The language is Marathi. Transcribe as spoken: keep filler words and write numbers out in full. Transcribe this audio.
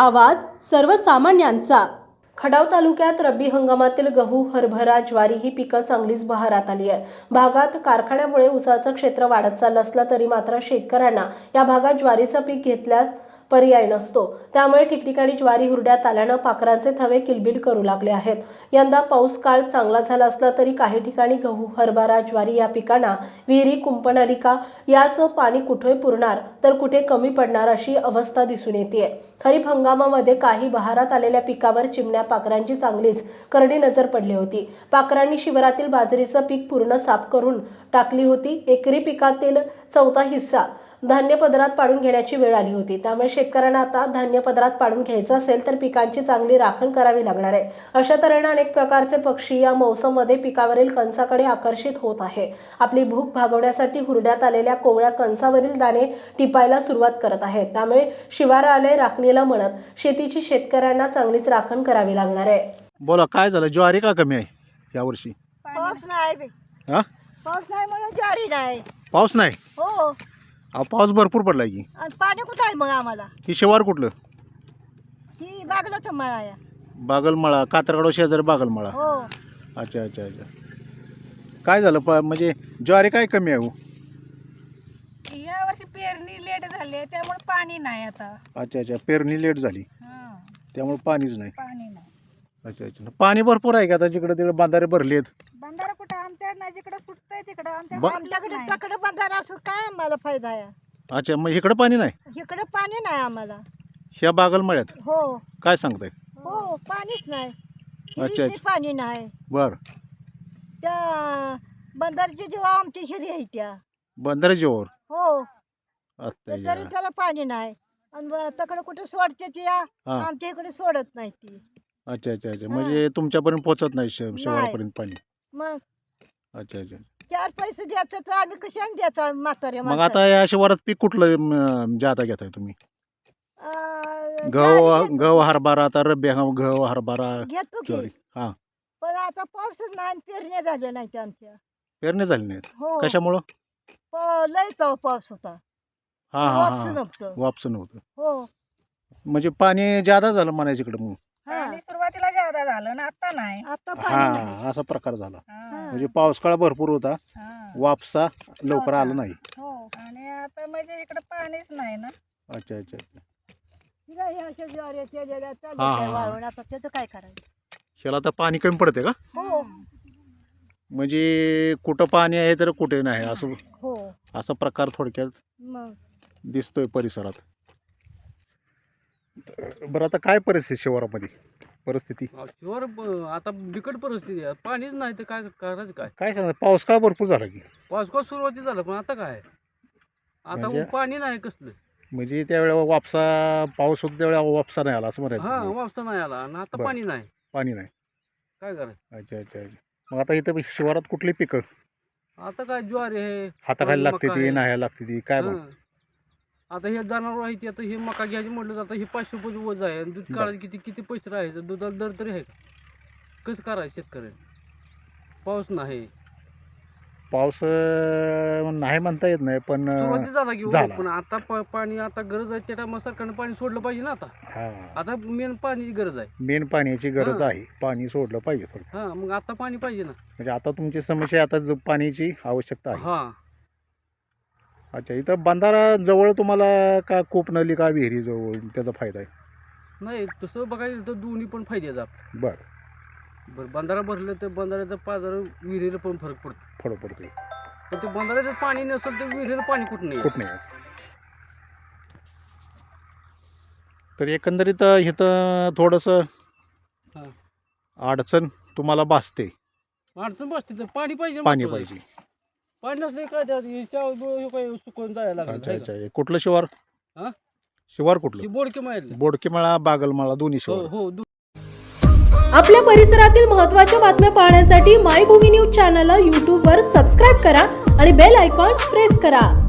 आवाज सर्वसामान्यांचा। खडाव तालुक्यात रब्बी हंगामातील गहू, हरभरा, ज्वारी ही पिकं चांगलीच बहरात आली आहे। भागात कारखान्यामुळे ऊसाचं क्षेत्र वाढत चाललं असलं तरी मात्र शेतकऱ्यांना या भागात ज्वारीचं पीक घेतल्यास पर्याय नसतो। त्यामुळे ठिकठिकाणी ज्वारी हुरड्यात आल्यानं पाखरांचे थवे किलबिल करू लागले आहेत। यंदा पाऊस काळ चांगला झाला असला तरी काही ठिकाणी गहू, हरभरा, ज्वारी या पिकांना विहिरी कुंपण आली का, याचं पाणी कुठे पुरणार तर कुठे कमी पडणार अशी अवस्था दिसून येते। खरीप हंगामामध्ये काही बहारात आलेल्या पिकावर चिमण्या पाखरांची चांगलीच करडी नजर पडली होती। पाखरांनी शिवारातील बाजरीचं पीक पूर्ण साफ करून टाकली होती। एकरी पिकातील चौथा हिस्सा धान्य पदरात पाडून घेण्याची वेळ आली होती। त्यामुळे शेतकऱ्यांना आता धान्य पदरात पाडून घ्यायचं असेल तर पिकांची चांगली राखण करावी लागणार आहे। अशा तऱ्हेने अनेक प्रकारचे पक्षी या मौसममध्ये पिकावरील कणसाकडे आकर्षित होत आहे। आपली भूक भागवण्यासाठी हुरड्यात आलेल्या कोवळ्या कणसावरील दाणे टिपायला सुरुवात करत आहेत। त्यामुळे शिवारालय राखणीला म्हणत शेतीची शेतकऱ्यांना चांगलीच राखण करावी लागणार आहे। बोला, काय झालं? ज्वारी का कमी आहे यावर्षी? पाऊस नाही। हा, पाऊस नाही म्हणून ज्वारी नाही। पाऊस नाही? हो, अहो पाऊस भरपूर पडलाय की। आणि पाणी कुठं आहे मग आम्हाला? ही शिवार कुठलं? ही बागलाच मळा आहे। बागलमाळा, कातरगाव शेजारी बागलमाळा। हो, अच्छा अच्छा अच्छा। काय झालं प म्हणजे ज्वारी काय कमी आहे? हो, या वर्षी पेरणी लेट झाली आहे त्यामुळे पाणी नाही आता। अच्छा अच्छा, पेरणी लेट झाली हां, त्यामुळे पाणीच नाही। पाणी नाही। अच्छा अच्छा, पाणी भरपूर आहे का आता? जिकडे तिकडे बांधारे भरलेत। बंधारा कुठं आमच्या नाही, जिकडे सुटतंय तिकडं आमच्या ब- आमच्याकडे तकडे बंधारा असं काय आम्हाला फायदा आहे? अच्छा, मग इकडे पाणी नाही? इकडे पाणी नाही आम्हाला। ह्या बागलमाळ्यात हो काय सांगताय? हो, पाणीच नाही। अच्छा, हिरीचे अच्छा. पाणी नाही। बर, त्या बंधारची जेव्हा आमची हिरी आहे त्या बंधारे जेवर हो, आता तर या. तरी त्याला पाणी नाही। आणि तकडे कुठे सोडते ती या, हा. आमच्या इकडे सोडत नाही ती। अच्छा अच्छा अच्छा, म्हणजे तुमच्यापर्यंत पोहोचत नाही शे- नाही. शिवारापर्यंत पाणी? मग अच्छा अच्छा। चार पैसे द्यायचं तर आम्ही कशाने द्यायचं म्हाताऱ्या मग आता या शिवारात पीक कुठलं म, जाता घेताय तुम्ही? माणसाला? गहू ज्वारी घेतो. गहू हरभरा, आता रब्बी हंगाम गहू हरभरा घेतो की, ज्वारी। हा, पण आता पाऊसच नाही, पेरण्या झाल्या नाहीत आमच्या। पेरणी झाली नाहीत? हो, कशामुळं? प- लय तो पाऊस होता, हा हा वापस हा, नव्हतं। वापस नव्हतं हो, म्हणजे पाणी जादा झालं म्हणायचं इकडं मग? हा. पाणी सुरुवातीला जादा झालं ना, आता नाही। आता पाणी नाही। हा, असा प्रकार झाला। हां, म्हणजे पावसाळा भरपूर होता, हां. वापसा लवकर आला नाही। हो, आणि आता म्हणजे इकडे पाणीच नाही ना। अच्छा अच्छा अच्छा। हिला ह्या अशा ज्वाऱ्या केलेल्या चालू हा, आहे हा. वाळवून, आता त्याचं काय करायचं? ह्याला आता पाणी कमी पडते का? हो म्हणजे कुठं पाणी आहे तर कुठे नाही, असं हो, असा प्रकार थोडक्यात मग दिसतोय परिसरात। बरं, आता काय परिस्थिती शिवारामध्ये? परिस्थिती शिवार ब- आता बिकट परिस्थिती आहे, पाणीच नाही तर काय करायचं? काय काय सांगता? पाऊस काळ भरपूर झाला की? पावसाळा सुरुवाती झालं पण आता काय आता म्हणजे- पाणी नाही कसलं। म्हणजे त्यावेळेला वापसा पाऊस होता त्यावेळेला वापसा नाही आला असं हा, म्हणायचं? वापसा नाही आला आणि आता बरं. पाणी नाही, पाणी नाही? काय करायचं? अच्छा अच्छा अच्छा। मग आता इथं शिवारात कुठली पिकं आता काय ज्वारी आहे, हाताखाली लागते मका ती, आहे. नाही लागते ती, काय मग? हं. आता हे जनावर आहे ते, आता हे मका घ्यायची म्हटलं जातं, हे पाचशे रुपये वज आहे आणि दूध बरं. काढायचं किती किती पैसे राहायचं, दुधाला दर तरी आहे का? कसं करायचं शेतकऱ्याने? पाऊस नाही, पाऊस अं, नाही म्हणता येत नाही, पण सुरुवाती झाला की हो, झाला. पण आता प- पाणी आता गरज आहे त्या टायमा सरकारनं पाणी सोडलं पाहिजे ना। आता हा, आता मेन पाण्याची गरज आहे। मेन पाण्याची गरज हां. आहे, पाणी सोडलं पाहिजे थोडं। हा, मग आता पाणी पाहिजे ना। म्हणजे आता तुमची समस्या आहे, आता ज- पाण्याची आवश्यकता आहे। हा, अच्छा, इथं बंधारा जवळ तुम्हाला का कोपनली का विहिरी जवळ त्याचा फायदा आहे? नाही तसं बघायला तर दोन्ही पण फायद्याचं आपलं। बरं, बरं, बंधारा भरलं तर बंधाऱ्याचा पाजार विहिरीला पण फरक पडतो, फरक पडतोय पण ते बंधाऱ्याचं पाणी नसेल तर विहिरीला पाणी कुठं नाही कुठं नाही असं. तर एकंदरीत इथं थोडंसं हा. अडचण तुम्हाला भासते, अडचण बसते तर पाणी पाहिजे ना पाणी महत्त्वाचं. पाहिजे। पाणी नसले काय त्यात हे चाव- बो- हे काय सुकून जायला लागलं अच्छा आहे अच्छा, का? हे कुठलं शिवार? हा? शिवार ही कुठलं? बोडके माहिती बोडकेमाळा, बागलमाळा दोन्ही हो शिवार? हो दु- आपल्या परिसरातील महत्त्वाच्या बातम्या पाहण्यासाठी मायभूमी न्यूज चॅनलला यूट्यूबवर सबस्क्राईब करा आणि बेल आयकॉन प्रेस करा।